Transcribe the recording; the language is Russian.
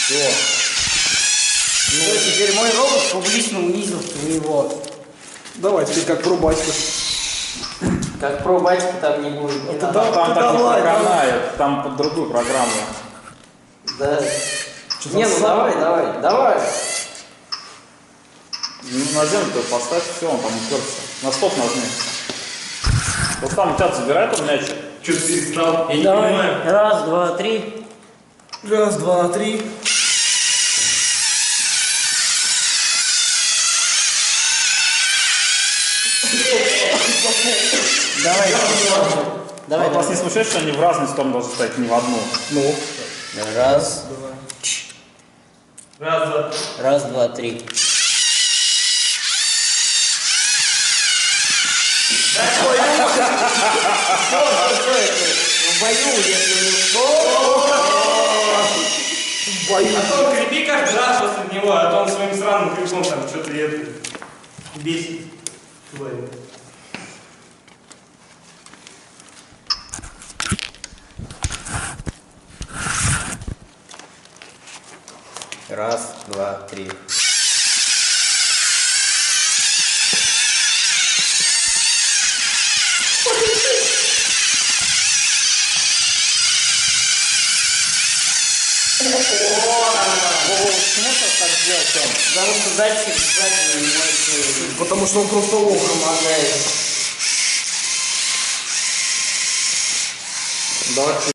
Все. Ну, теперь мой робот публично унизил твоего. Давай, теперь как про батьку. Как про батьку там не будет. Не надо. Да, Там так не давай, проканает, там под другую программу. Да. Что Не, за ну сам? давай. Ну, на землю поставь, все, он там уперся. На стоп нажми. Вот там у тебя забирай там мячик. Что ты перестал? Я не Давай. понимаю. Раз, два, три. Раз, два, три. Давай. А вас не смущает, что они в разные стороны должны стоять, не в одну? Ну. Раз. Раз, два. Раз, два, три. В бою, если не А то крепи каждый раз после него, а то он своим сраным криком там что-то бесит. Твою. Раз, два, три. Почему так сделал, Тём? Потому что датчик сзади не может... Потому что он просто лох. Помогает. Давай.